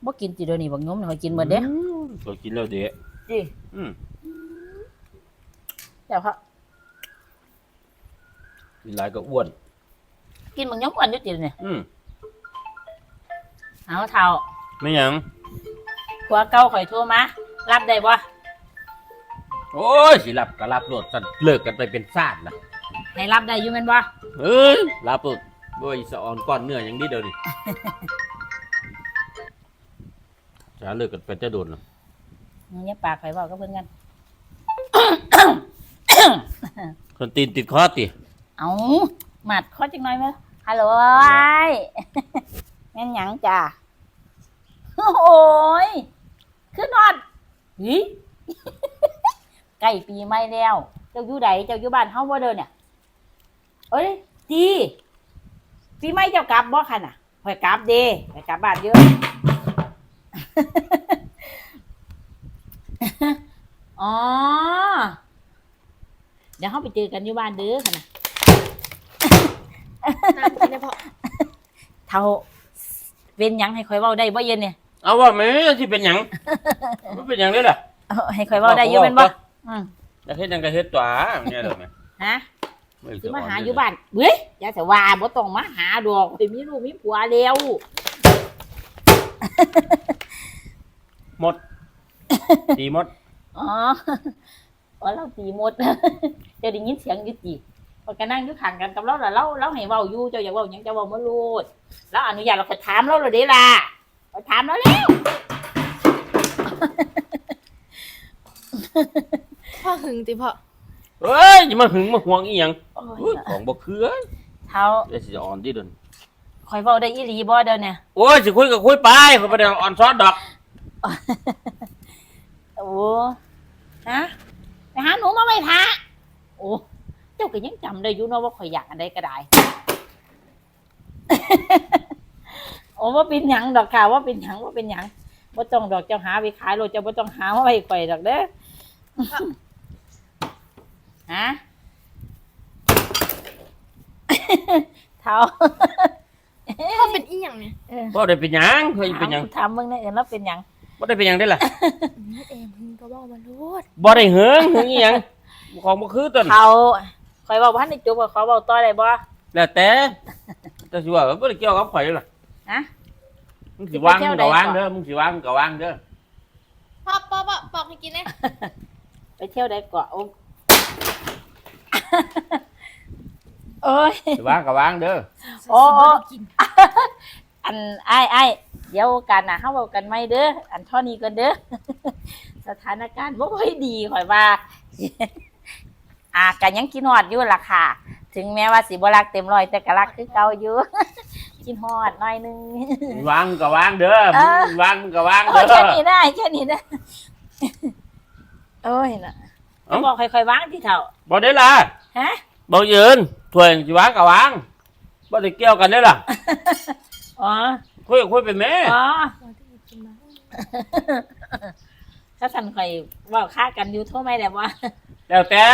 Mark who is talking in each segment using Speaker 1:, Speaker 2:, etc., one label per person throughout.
Speaker 1: บ่กินติเดี๋ยวนี้บักยมข่อยกินหมดเด้
Speaker 2: ก็กินแล้วเด้
Speaker 1: จิแต่เขา
Speaker 2: กินหลายก็อ้วน
Speaker 1: กินบักยมอ้วนอยู่ติเนี่ยเอาเฒ่า
Speaker 2: ไม่หยัง
Speaker 1: ผัวเก่าข่อยโทรมารับได้บ่
Speaker 2: โอ้ยสิรับก็รับโลดซั่นเลิกกันไปเป็นชาติล่ะ
Speaker 1: ให้รับได้อยู่แม่นบ่
Speaker 2: เอ้ยรับโลดบ่อีสะอ่อนก้อนเนื้อหยังดีเดี๋ยวนี้จะเลิกกันไปจะโดนล่ะ
Speaker 1: เนี่ยปากข่อยเว้ากับเพิ่นกัน
Speaker 2: คนตีนติดคอติ
Speaker 1: เอาหมัดคอจังหน่อยมั้ยฮัลโหลไอ้แม่นหยังจ้ะโอ้ยคือนอนหิใกล้ปีใหม่แล้วเจ้าอยู่ใดเจ้าอยู่บ้านเฮาบ่เด้อเนี่ยเอ้ยดีปีใหม่เจ้ากลับบ่คั่นน่ะข่อยกลับเด้ข่อยกลับบ้านเยอะอ๋อเดี๋ยวเฮาไปเจอกันอยู่บ้านเด้อคั่นน่ะ
Speaker 3: น้ำกินได้พอ
Speaker 1: เฒ่าเป็นหยังให้ข่อยเว้าได้บ่เย็นเนี่ย
Speaker 2: เอาว่าแม่สิเป็นหยังมันเป็นหยังเด้อล่ะ
Speaker 1: ให้ข่อยเว้าได้อยู่แม่นบ่
Speaker 2: อยากเฮ็ดหยังก็เฮ็ดตัวเนี่ยเด้อแม่
Speaker 1: ฮะสิมาหาอยู่บ้านเฮ้ยอย่าแต่ว่าบ่ต้องมาหาดอกข่อยมีลูกมีผัวแล้ว
Speaker 2: หมดตีหมด
Speaker 1: อ๋อเราตีหมดเจ้าได้ยินเสียงอยู่ติพอก็นั่งอยู่ข้างกันกับเราล่ะเราให้เว้าอยู่เจ้าอยากเว้าหยังเจ้าเว้ามาโลดแล้วอนุญาตเราก็ถามเราแล้วเด้ล่ะเราถามเราแล้ว
Speaker 3: พ่อหึงติพ่อ
Speaker 2: เฮ้ยอย่ามาหึงมาห่วงอีหยังของบ่คือ
Speaker 1: เฒ่า
Speaker 2: เดี๋ยวสิอ่อนดิเด้อ
Speaker 1: ข่อยเว้าได้อีหลีบ่เด้อเนี่ย
Speaker 2: โอ้ยสิคุยก็คุยไปข่อยบ่ได้อ่อนซ้อนดอก
Speaker 1: โอ้ฮะไปหาหนูมาไว้ท่าโอ้เจ้าก็ยังจำได้อยู่เนาะว่าข่อยอยากอันใดก็ได้ โอ้ว่าเป็นหยังดอกค่ะว่าเป็นหยังบ่ต้องดอกเจ้าหาไปขายโลดเจ้าบ่ต้องหามาไว้ข่อยดอกเด้อฮะเฒ่า
Speaker 3: พ่อเป็นอีหยังเนี่ย
Speaker 2: บ่ได้เป็นหยังเฮ้ยเป็นหยัง
Speaker 1: ถามมึงแน่เอิ้นแล้วเป็นหยัง
Speaker 2: บ่ได้เป็นหยังได้ล่ะ
Speaker 3: เอ็มหึงก็บอกมาโลด
Speaker 2: บ่ได้หึงอีหยังของบ่คือต้น
Speaker 1: เฒ่าข่อยเว้าบ่ทันได้จบขอเว้าต่อได้บ่
Speaker 2: แล้วแต่สิว่าบ่ได้เกี่ยวกับข่อยล่ะ
Speaker 1: ฮะ
Speaker 2: มึงสิวางมึงก็วางเด้อมึงสิวางมึงก็วางเด้อ
Speaker 3: พ่อบอกให้กินเลย
Speaker 1: ไปเที่ยวได้เกาะโอ้ย
Speaker 2: สิวางก็วางเด้อ
Speaker 1: โอ้อันไอ้เดี๋ยวกันนะเฮาเว้ากันใหม่เด้ออันเท่านี้ก่อนเด้อสถานการณ์บ่ค่อยดีข่อยว่าก็ยังกินฮอดอยู่ล่ะค่ะถึงแม้ว่าสิบ่รักเต็มร้อยแต่ก็รักคือเก่าอยู่กินฮอดหน่อยนึง
Speaker 2: วางก็วางเด้อวางก็วางเด้อ
Speaker 1: แค่นี้ได้โอ้ยน่ะบอกค่อยๆวางที่เฒ่า
Speaker 2: บ่ได้ล่ะ
Speaker 1: ฮะ
Speaker 2: บ่ยืนถ้วยสิวางก็วางบ่ได้เกี่ยวกันเด้อล่ะ
Speaker 1: อ๋อ
Speaker 2: คุยไปแม่
Speaker 1: อ๋อถ้าสั่นข่อยเว้าค่ากันอยู่โทรไม่ได้บ่
Speaker 2: แล้วแต่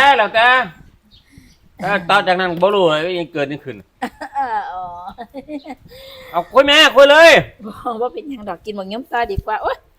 Speaker 2: ตอนจากนั้นบ่รู้เลยยังเกิดนี่ขึ้น
Speaker 1: อ๋อ
Speaker 2: เอาคุยแม่คุยเลย
Speaker 1: บ่เป็นหยังดอกกินบักยมซอดีกว่าโอ๊ย